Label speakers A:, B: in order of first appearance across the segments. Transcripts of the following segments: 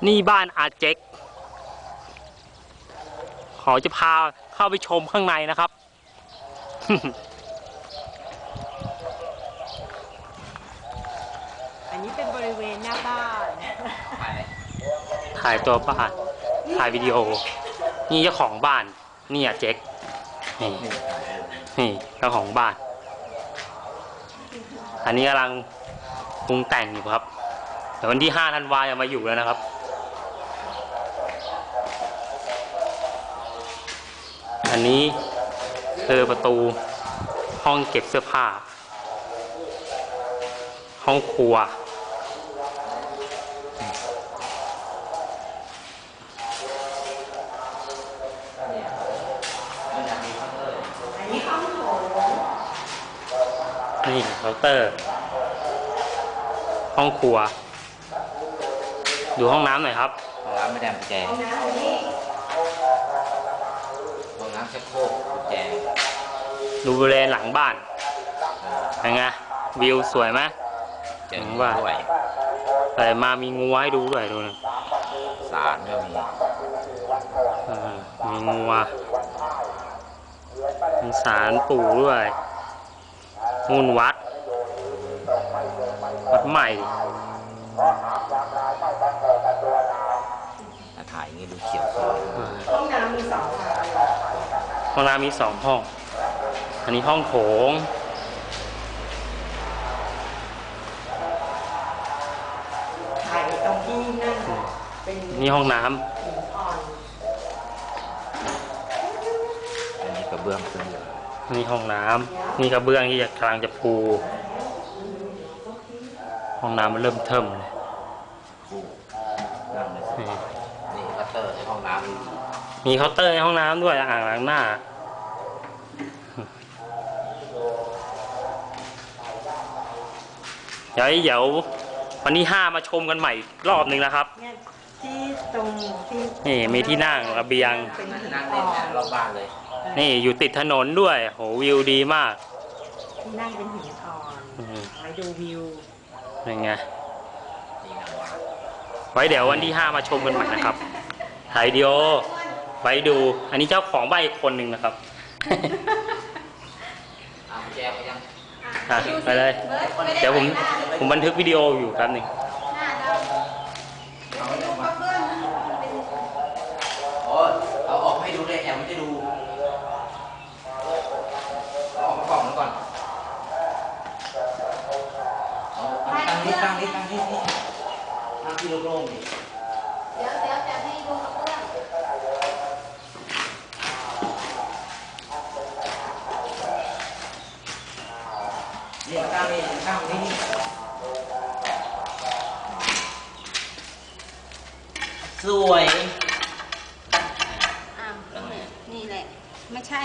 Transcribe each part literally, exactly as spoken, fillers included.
A: นี่บ้านอาเจ็กขอจะพาเข้าไปชมข้างในนะครับ
B: อันนี้เป็นบริเวณหน้าบ้าน
A: ถ่ายตัวบ้านถ่ายวิดีโอ นี่เจ้าของบ้านนี่อาเจ็กนี่นี่เจ้าของบ้าน อันนี้กำลังปรุงแต่งอยู่ครับเดี๋ยววันที่ห้าธันวาจะมาอยู่แล้วนะครับอันนี้คือประตูห้องเก็บเสื้อผ้าห้องครัวนี่เคาน์เตอร์ห้องครัวดูห้องน้ำหน่อยครับ
C: ห้องน้ำไม่ได้กุญแจห้องน้ำชักโครกกุญแจ
A: ดูบริเวณหลังบ้านเป็นไงวิวสวยไหม
C: หลังบ้าน
A: แต่มามีงูให้ดูด้วยดูนะ
C: ศาลก็มี
A: มีงูมีศาลปู่ด้วยนู่นวัดวัดใหม่
C: ถ่ายอย่างนี้ดูเขียวสวย
B: ห้องน้ำมีสอง
A: ห้องน้ำมีสองห้องอันนี้ห้องโถง
B: ถ่ายตรงที่นั่งเป็น
A: นี่ห้องน้ำ
C: อันนี้กระเบื้องขึ้นเลย
A: นี่ห้องน้ำนี่กระเบื้องที่จะกำลังจะปูห้องน้ำมันเริ่มเทิมเลย
C: นี่เคาน์เตอร์ในห้องน้
A: ำมีเคาน์เตอร์ในห้องน้ำด้วยอ่างล้างหน้าเดี๋ยวเดี๋ยววันที่ห้ามาชมกันใหม่รอบหนึ่งนะครับ
B: ที่ตรงที่
A: นี่มีที่นั่งระเบียง
C: เป็นนั่งเล่นรอบบ้านเลย
A: นี่อยู่ติดถนนด้วยโหวิวดีมาก
B: ที่นั่งเป็นหินอ่อนไว้ดูวิว
A: ยังไงไว้เดี๋ยววันที่ห้ามาชมกันใหม่นะครับถ่ายวิดีโอไว้ดูอันนี้เจ้าของบ้านอีกคนหนึ่งนะครับไปเลยเดี๋ยวผมผมบันทึกวิดีโออยู่แป๊บหนึ่ง
C: เอาออกให้ดูเลยแอมจะดูเอาออกมากล่องแล้วก่อนตั้งนิดตั้งนิดตั้งนิดนี่ตั้งที่โล่งๆดิ
D: เดี๋ยวเดี๋ยวจะให้ดูกระเบื้อง
C: นี่ตั้งนี่ตั้งนี่สวย
D: อ้าวนี่แหละไม่ใช่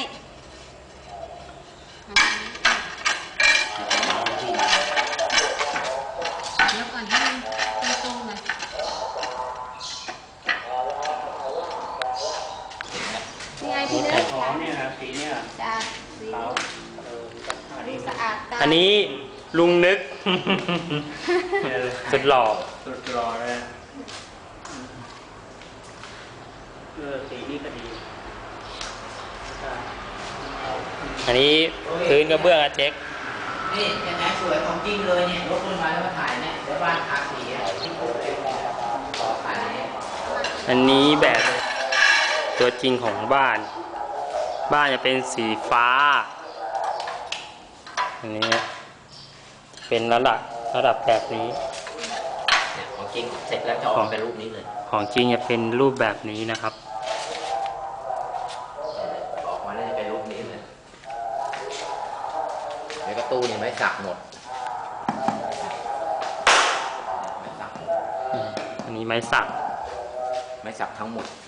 D: แล้วก่อนให้มันตรงๆหน่อยนี่ไงพี่เนื้อ
A: อ๋อเนี่ยนะสีเนี่ย
D: จ้าสีดูสะอาดตา
A: อันนี้ลุงนึกสุดหล่อ
C: สุดหล่อเลย
A: เออสีนี้ก็ดีอันนี้พื้นกระเบื้องอาเจ็ก
C: นี่ยังไงสวยของจริงเลยเนี่ยรถขึ้นมาแล้วมาถ่ายเนี่ยแล้วบ้านทาสีที่ผมเลยขอถ่ายนี้
A: อันนี้แบบตัวจริงของบ้านบ้านจะเป็นสีฟ้าอันนี้เป็นระดับระดับแบบนี้
C: ของจริงเสร็จแล้วจะออกเป็นรูปนี้เลย
A: ของจริงจะเป็นรูปแบบนี้นะครับ
C: ออกมาแล้วจะเป็นรูปนี้เลยเดี๋ยวกระตู้นี่ไม่สักหมด
A: อันนี้ไม้สัก
C: ไม้สักทั้งหมด